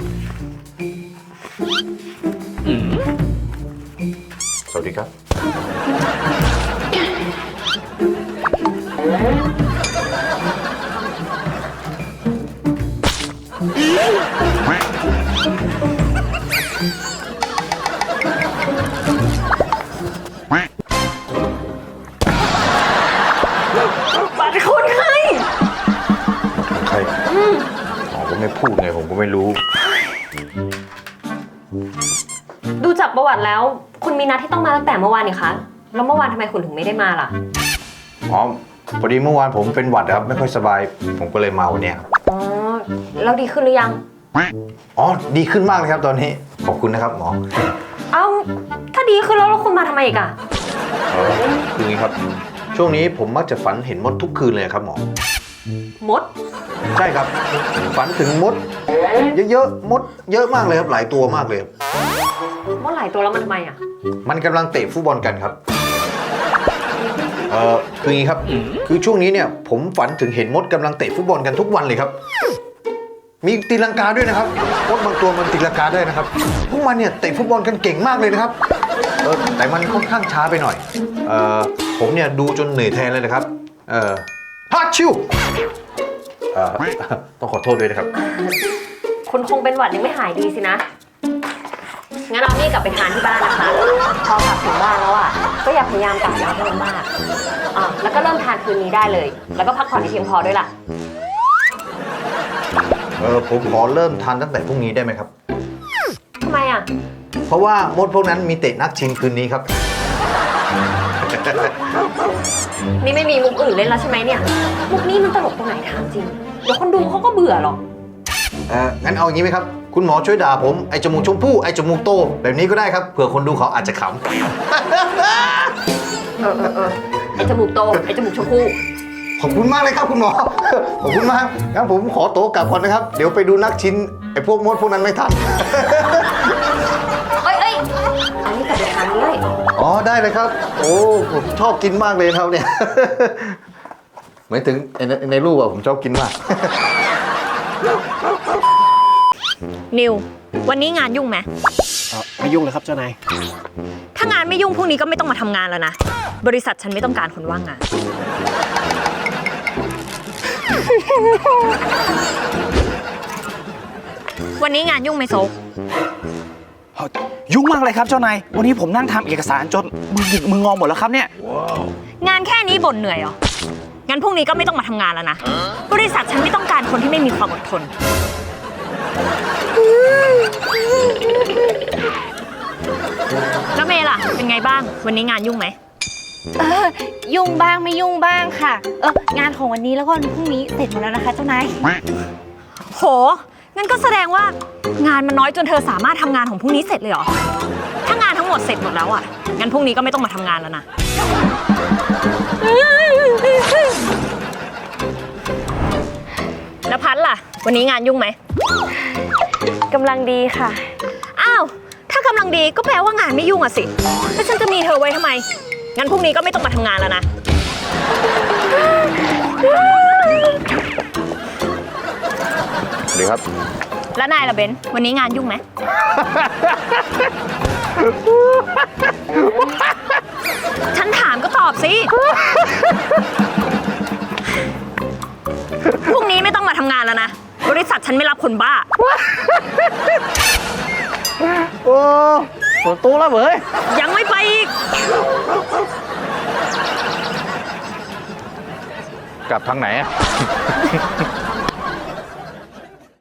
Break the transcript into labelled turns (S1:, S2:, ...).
S1: สวัสดีครับ
S2: บัตรคนไข้
S1: ใครอ๋อก็ไม่พูดไงผมก็ไม่รู้
S2: ดูจากประวัติแล้วคุณมีนัดที่ต้องมาตั้งแต่เมื่อวานนี่คะแล้วเมื่อวานทำไมคุณถึงไม่ได้มาล่ะ
S1: อ๋อพอดีเมื่อวานผมเป็นหวัดครับไม่ค่อยสบายผมก็เลยมาวันเนี้ยครับ
S2: อ๋อแล้วดีขึ้นหรือยัง
S1: อ๋อดีขึ้นมากเลยครับตอนนี้ขอบคุณนะครับหมอ
S2: เอ้าถ้าดีขึ้นแล้วคุณมาทำไมอีกอะ
S1: คืออย่างนี้ครับช่วงนี้ผมมักจะฝันเห็นมดทุกคืนเลยครับหมอ
S2: มด
S1: ใช่ครับฝันถึงมดเยอะๆมดเยอะมากเลยครับหลายตัวมากเลยครับ
S2: มดหลายตัวแล้วมันทำไมอะ
S1: มันกำลังเตะฟุตบอลกันครับคืออย่างนี้ครับคือช่วงนี้เนี่ยผมฝันถึงเห็นมดกำลังเตะฟุตบอลกันทุกวันเลยครับมีตีลังกาด้วยนะครับมดบางตัวมันตีลังกาได้นะครับพวกมันเนี่ยเตะฟุตบอลกันเก่งมากเลยนะครับแต่มันค่อนข้างช้าไปหน่อยผมเนี่ยดูจนเหนื่อยแทนเลยนะครับฮัทชิวต้องขอโทษด้วยนะครับ
S2: คุณคงเป็นหวัดยังไม่หายดีสินะงั้นเอานี่กลับไปทานที่บ้านนะคะพอกลับถึงบ้านแล้วอะก็อย่าพยายามกลับยาวให้มันมากแล้วก็เริ่มทานคืนนี้ได้เลย แล้วก็พักผ่อนให้เพียงพอด้วยล่ะ
S1: ผมขอเริ่มทานตั้งแต่พรุ่งนี้ได้ไหมครับ
S2: ทำไมอะ
S1: เพราะว่ามดพวกนั้นมีเตะนัดชิงคืนนี้ครับ
S2: นี่ไม่มีมุกอื่นเล่นแล้วใช่ไหมเนี่ยมุกนี้มันตลกตรงไหนถามจริงเดี๋ยวคนดูเขาก็เบื่อหรอก
S1: งั้นเอาอย่างนี้ไหมครับคุณหมอช่วยด่าผมไอจมูกชมพู่ไอจมูกโตแบบนี้ก็ได้ครับเผื่อคนดูเขาอาจจะขำ
S2: ไอจมูกโตไอจมูกชมพู่
S1: ขอบคุณมากเลยครับคุณหมอ ขอบคุณมากงั้นผมขอโต๊ะกลับก่อนนะครับเดี๋ยวไปดูนักชินไอพวกมดพวกนั้นไม่ทัน
S2: เอ้ยอันนี้กลับไปทานเลย
S1: อ๋อได้เลยครับโอ้ผมชอบกินมากเลยครับเนี่ย หมายถึงในรูปอะผมชอบกินมาก
S3: นิว วันนี้งานยุ่งไหม
S4: ไม่ยุ่งเลยครับเจ้านาย
S3: ถ้างานไม่ยุ่งพรุ่งนี้ก็ไม่ต้องมาทำงานแล้วนะ บริษัทฉันไม่ต้องการคนว่างงาน วันนี้งานยุ่งไหมโซก
S4: ยุ่งมากเลยครับเจ้านาย วันนี้ผมนั่งทำเอกสารจนมือหงิกมืองอหมดแล้วครับเนี่ย
S3: งานแค่นี้บ่นเหนื่อยเหรอ งั้นพรุ่งนี้ก็ไม่ต้องมาทำงานแล้วนะ บริษัทฉันไม่ต้องการคนที่ไม่มีความอดทน แล้วเมย์ล่ะ เป็นไงบ้าง วันนี้งานยุ่งไหม
S5: ยุ่งบ้างไม่ยุ่งบ้างค่ะ งานของวันนี้แล้วก็วันพรุ่งนี้เสร็จหมดแล้วนะคะเจ้านาย
S3: โห งั้นก็แสดงว่างานมันน้อยจนเธอสามารถทำงานของพรุ่งนี้เสร็จเลยเหรอ ถ้างานทั้งหมดเสร็จหมดแล้วอ่ะ งั้นพรุ่งนี้ก็ไม่ต้องมาทำงานแล้วนะ แล้วพัดล่ะ วันนี้งานยุ่งไหม
S5: กำลังดีค่ะ
S3: อ้าว ถ้ากำลังดีก็แปลว่างานไม่ยุ่งอะสิ แล้วฉันจะมีเธอไว้ทำไม งั้นพรุ่งนี้ก็ไม่ต้องมาทำงานแล้วนะ
S1: สวัสดีครับ
S3: แล้วนายล่ะเบนซ์วันนี้งานยุ่งไหม ฉันถามก็ตอบสิ พรุ่งนี้ไม่ต้องมาทำงานแล้วนะ บริษัทฉันไม่รับคนบ้า
S4: โอ้ปวดตู้แล้วเว้ย
S3: ยังไม่ไปอีก
S1: กลับทางไหนอะ